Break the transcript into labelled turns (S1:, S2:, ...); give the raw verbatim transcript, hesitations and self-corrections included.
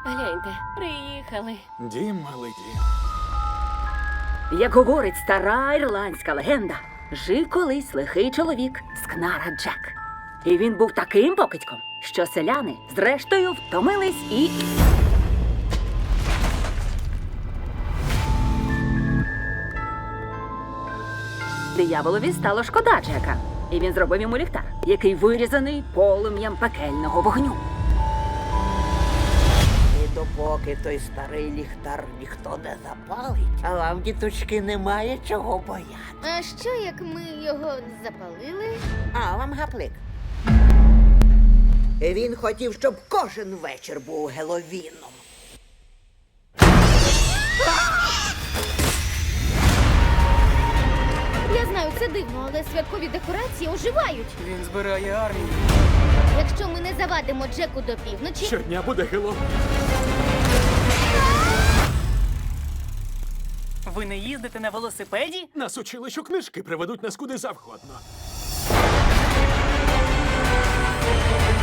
S1: Гляньте, приїхали.
S2: Дім, малий дім.
S3: Як говорить стара ірландська легенда, жив колись лихий чоловік Скнара Джек. І він був таким покидьком, що селяни зрештою втомились і... Дияволові стало шкода Джека, і він зробив йому ліхтар, який вирізаний полум'ям пекельного вогню.
S4: І допоки той старий ліхтар ніхто не запалить, а вам, діточки, немає чого бояти.
S5: А що, як ми його запалили?
S4: А вам гаплик. Він хотів, щоб кожен вечір був Геловіном.
S5: Я знаю, це дивно, але святкові декорації оживають.
S6: Він збирає армію.
S5: Якщо ми не завадимо Джеку до півночі,
S2: Щодня буде Геловін.
S6: Ви не їздите на велосипеді?
S2: Нас учили, що книжки приведуть нас куди завгодно.